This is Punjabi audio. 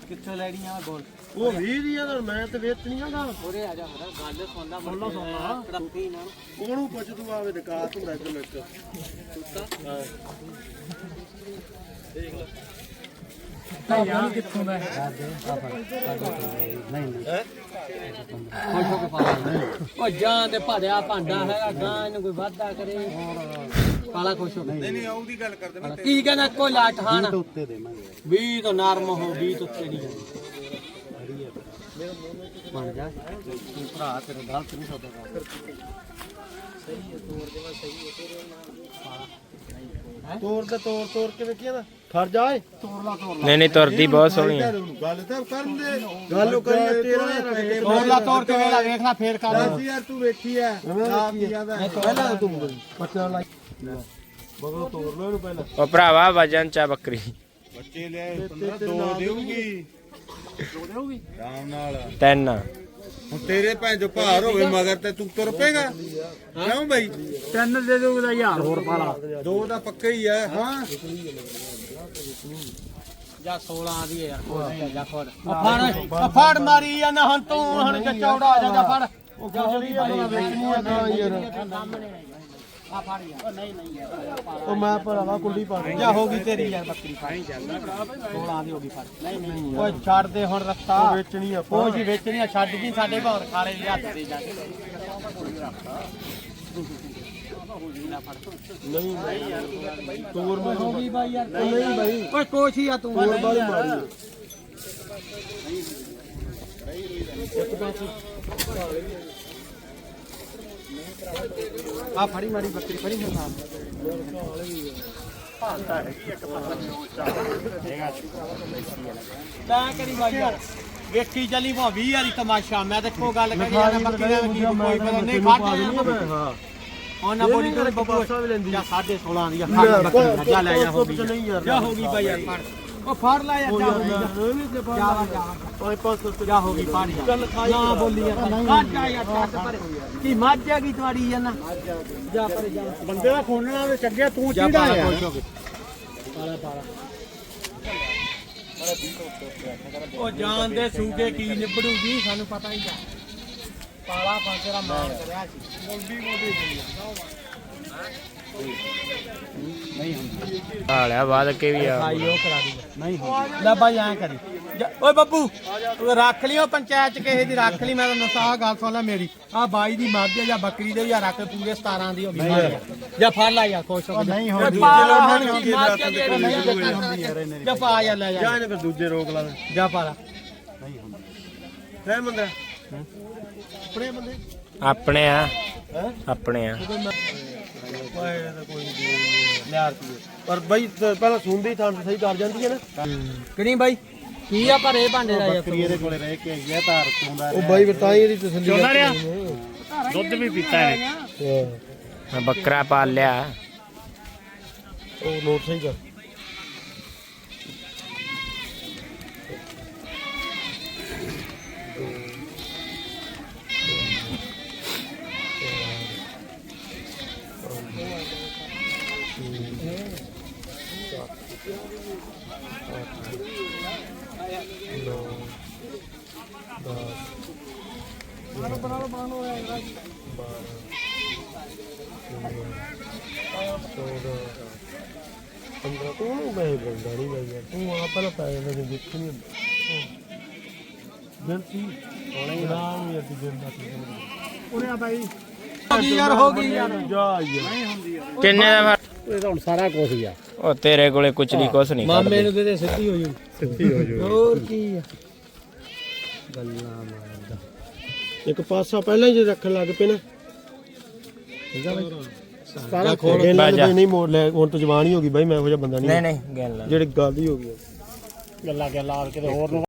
ਕਿੱਥੋਂ ਲੈਣੀਆਂ ਬੋਲ ਉਹ 20 ਦੀਆਂ ਤਾਂ ਮੈਂ ਤੇ ਵੇਚਣੀਆਂ ਗਾ ਉਰੇ ਆ ਜਾ ਮੇਰਾ ਗੱਲ ਸੁਣਦਾ ਤੜੱਪੀ ਨਾਲ ਉਹਨੂੰ ਪੁੱਛ ਤੂੰ ਆਵੇ ਨਿਕਾਸ ਹੁੰਦਾ ਇੱਧਰ ਲੱਗ ਹਾਂ ਦੇਖ ਲੈ ਯਾਰ ਕਿੱਥੋਂ ਦਾ ਨਹੀਂ ਖੁਸ਼ ਹੋ ਕੇ ਪਾ ਉਹ ਜਾਂ ਤੇ ਭੜਿਆ ਭਾਂਡਾ ਹੈਗਾ ਗਾਂ ਇਹਨੂੰ ਕੋਈ ਵਾਧਾ ਕਰੇ ਪਾਲਾ ਖੁਸ਼ ਹੋ ਕੇ ਨਹੀਂ ਉਹਦੀ ਗੱਲ ਕਰਦੇ ਮੈਂ ਕੀ ਕਹਿੰਦਾ ਕੋਈ ਲਾਟ ਹਾਂ ਨਾ ਉੱਤੇ ਦੇਵਾਂਗੇ 20 ਤੋਂ ਨਰਮ ਹੋ 20 ਤੋਂ ਉੱਤੇ ਨਹੀਂ ਬਣ ਜਾ ਤੂੰ ਭਰਾ ਤੇਰੇ ਗਲਤ ਨਹੀਂ ਸੌਦਾ ਕਰ ਸਹੀ ਹੈ ਤੋੜ ਦੇਵਾ ਸਹੀ ਹੈ ਤੇਰੇ ਨਾਲ ਤੋੜ ਕਿਵੇਂ ਕੀਦਾ ਖੜ ਜਾ ਏ ਤੋੜ ਲਾ ਨਹੀਂ ਤੁਰਦੀ ਬਹੁਤ ਸੋਹਣੀ ਹੈ ਗੱਲ ਤਾਂ ਕਰਨ ਦੇ ਗੱਲ ਕਰੀ ਤੇਰਾ ਤੋੜ ਲਾ ਤੋੜ ਕੇ ਵੇਲਾ ਵੇਖ ਲੈ ਫੇਰ ਕਰ ਯਾਰ ਤੂੰ ਵੇਖੀ ਐ ਆਪ ਕੀ ਆਦਾ ਪਹਿਲਾਂ ਤੂੰ ਬੱਚਾ ਲਾਈ ਬਗਲੋ ਤੋੜ ਲੋ ਇਹਨੂੰ ਪਹਿਲਾਂ ਉਹ ਭਰਾਵਾ ਵਜਨ ਚਾ ਬੱਕਰੀ ਬੱਚੇ ਲੈ 15 ਦੋ ਦੇਊਗੀ ਆਰਾਮ ਨਾਲ ਤਿੰਨ ਹੁਣ ਤੇਰੇ ਭੈਣ ਜੋ ਭਾਰ ਹੋਵੇ ਮਗਰ ਤੇ ਤੂੰ ਤੁਰ ਪੇਗਾ ਕਿਉਂ ਬਈ ਤਿੰਨ ਦੇ ਦੂਗਾ 1000 ਹੋਰ ਪਾਲਾ ਦੋ ਦਾ ਪੱਕਾ ਹੀ ਆ ਹਾਂ ਜਾਂ 16 ਦੀ ਯਾਰ ਜਾ ਫੜ ਫੜ ਮਾਰੀ ਜਾਂਦਾ ਹੁਣ ਤੂੰ ਹੁਣ ਚੌੜਾ ਆ ਜਾ ਫੜ ਉਹ ਗਾਲੀ ਆਪਣਾ ਵੇਚਣੀ ਆ ਤਾਂ ਯਾਰ ਆ ਫੜ ਯਾਰ ਨਹੀਂ ਯਾਰ ਉਹ ਮੈਂ ਭਰਾਵਾ ਕੁੰਡੀ ਪਾ ਦੇ ਜਾ ਹੋ ਗਈ ਤੇਰੀ ਯਾਰ ਬੱਕਰੀ ਫਾਈ ਜਾਂਦਾ 16 ਦੀ ਹੋ ਗਈ ਫੜ ਨਹੀਂ ਓਏ ਛੱਡ ਦੇ ਹੁਣ ਰਸਤਾ ਵੇਚਣੀ ਆ ਉਹ ਜੀ ਵੇਚਣੀ ਆ ਛੱਡ ਜੀ ਸਾਡੇ ਘਰ ਖਾਲੇ ਦੇ ਹੱਥ ਦੇ ਜਾ ਕੇ ਨਹੀਂ ਤੋਰ ਮੈਂ ਹੋ ਗਈ ਬਾਈ ਯਾਰ ਨਹੀਂ ਬਾਈ ਓਏ ਕੋਸ਼ੀ ਆ ਤੂੰ ਤੋਰ ਵਾਲੀ ਮਾਰੀ ਆ ਫੜੀ ਮਾਰੀ ਬੱਕਰੀ ਫੜੀ ਫਿਰ ਨਾਲ ਤਾਂ ਕਰੀ ਬਾਈ ਯਾਰ ਵੇਖੀ ਚੱਲੀ ਭਾ 20 ਵਾਲੀ ਤਮਾਸ਼ਾ ਮੈਂ ਤੇ ਕੋ ਗੱਲ ਕਰੀ ਜਾਂਦਾ ਬੱਕਰੀ ਦਾ ਕੀ ਕੋਈ ਪਤਾ ਨਹੀਂ ਫੜ ਹਾਂ ਉਹਨਾਂ ਬੋਲੀ ਤੋਂ ਬੱਬੂ ਜਾਂ 16.5 ਦੀ ਬੱਕਰੀ ਜਾ ਲੈ ਜਾ ਹੋ ਗਈ ਜਾ ਹੋ ਗਈ ਬਾਈ ਯਾਰ ਫੜ ਉਹ ਫੜ ਲੈ ਯਾਰ ਜਾ ਹੋ ਗਈ ਫੜ ਯਾਰ ਨਾ ਬੋਲੀ ਯਾਰ ਕੱਟ ਜਾ ਯਾਰ ਛੱਡ ਪਰੇ ਕੀ ਮੱਝ ਆ ਗਈ ਤੁਹਾਡੀ ਯਾਰ ਨਾ ਜਾ ਪਰੇ ਜਾ ਬੰਦੇ ਦਾ ਖੋਣਣਾ ਤੇ ਚੱਗਿਆ ਤੂੰ ਚੀੜਾ ਆ ਪਾਲਾ ਉਹ ਜਾਣ ਦੇ ਸੂਕੇ ਕੀ ਨਿਬੜੂਗੀ ਸਾਨੂੰ ਪਤਾ ਹੀ ਆ ਪਾਲਾ ਤੇਰਾ ਮਾਨ ਕਰਿਆ ਸੀ ਮੋਢੀ ਨਹੀਂ ਹੁੰਦੀ ਹਾਲਿਆ ਬਾਦ ਕੇ ਵੀ ਆ ਆਈ ਉਹ ਕਰਾ ਦੂਗਾ ਨਹੀਂ ਹੁੰਦੀ ਲੈ ਬਾਈ ਐਂ ਕਰੀ ਓਏ ਬੱਬੂ ਤੂੰ ਰੱਖ ਲਈ ਉਹ ਪੰਚਾਇਤ ਚ ਕਿਸੇ ਦੀ ਰੱਖ ਲਈ ਮੈਂ ਤਾਂ ਨਸਾ ਗੱਲ ਸੁਣ ਲੈ ਮੇਰੀ ਆ ਬਾਈ ਦੀ ਮੱਝ ਜਾਂ ਬੱਕਰੀ ਦੇ ਜਾਂ ਰੱਖ ਪੂਰੇ 17 ਦੀ ਹੋ ਗਈ ਜਾਂ ਫੜ ਲੈ ਯਾਰ ਖੁਸ਼ ਹੋ ਨਹੀਂ ਹੁੰਦੀ ਜਾਂ ਪਾ ਯਾਰ ਲੈ ਜਾ ਫਿਰ ਦੂਜੇ ਰੋਕ ਲਾ ਜਾ ਪਾ ਲਾ ਨਹੀਂ ਹੁੰਦਾ ਹੈ ਮੰਦਾ ਆਪਣੇ ਬੰਦੇ ਆਪਣੇ ਆ ਆਪਣੇ ਆ ਓਏ ਕੋਈ ਲਿਆ ਰੁਪਏ ਪਰ ਬਾਈ ਪਹਿਲਾਂ ਸੁਣਦੀ ਥਾਂ ਸਹੀ ਕਰ ਜਾਂਦੀ ਹੈ ਨਾ ਕਿਹੜੀ ਬਾਈ ਕੀ ਆ ਭਰੇ ਭਾਂਡੇ ਦਾ ਯਾਰ ਬੱਕਰੀ ਇਹਦੇ ਕੋਲੇ ਰਹਿ ਕੇ ਆਈ ਆ ਧਾਰ ਚੋਂਦਾ ਉਹ ਬਾਈ ਤਾਂ ਹੀ ਇਹਦੀ ਤਸੱਲੀ ਚੋਂਦਾ ਰਿਹਾ ਦੁੱਧ ਵੀ ਪੀਤਾ ਹੈ ਮੈਂ ਬੱਕਰਾ ਪਾਲ ਲਿਆ ਉਹ ਨੋਟ ਸਹੀ ਕਰ ਤੂੰ ਮੈਂ ਬੰਦਾ ਨਹੀਂ ਬਾਈ ਯਾਰ ਤੂੰ ਆ ਪਹਿਲਾਂ ਪੈ ਜਾਂਦਾ ਜੇ ਦੇਖ ਨਹੀਂ ਹੁੰਦਾ ਜੰਤੀ ਹੋਣੇ ਨਾਮ ਯਾਰ ਦੀ ਜਿੰਦਾ ਉਹਨੇ ਆ ਬਾਈ ਯਾਰ ਹੋ ਗਈ ਯਾਰ ਜਾ ਯਾਰ ਨਹੀਂ ਹੁੰਦੀ ਯਾਰ ਕਿੰਨੇ ਦਾ ਇਹ ਤਾਂ ਹੁਣ ਸਾਰਾ ਕੁਝ ਹੀ ਆ ਉਹ ਤੇਰੇ ਕੋਲੇ ਕੁਛ ਨਹੀਂ ਕੁਛ ਨਹੀਂ ਮਾਮੇ ਨੂੰ ਦੇ ਸਿੱਧੀ ਹੋ ਜੂ ਸਿੱਧੀ ਹੋ ਜਾਓ ਹੋਰ ਕੀ ਆ ਗੱਲਾਂ ਮਾਰਦਾ ਇੱਕ ਪਾਸਾ ਪਹਿਲਾਂ ਹੀ ਜੇ ਰੱਖਣ ਲੱਗ ਪਏ ਨਾ ਠੀਕ ਆ ਬਾਈ ਸਾਰਾ ਖੋਲ ਨਹੀਂ ਮੋੜ ਲੈ ਹੁਣ ਤਾਂ ਜਵਾਨ ਹੀ ਹੋ ਗਈ ਬਾਈ ਮੈਂ ਇਹੋ ਜਿਹਾ ਬੰਦਾ ਨਹੀਂ ਨਹੀਂ ਗੱਲ ਜਿਹੜੀ ਗੱਲ ਹੀ ਹੋ ਗਈ ਗੱਲਾਂ ਲਾ ਕੇ ਤੇ ਹੋਰ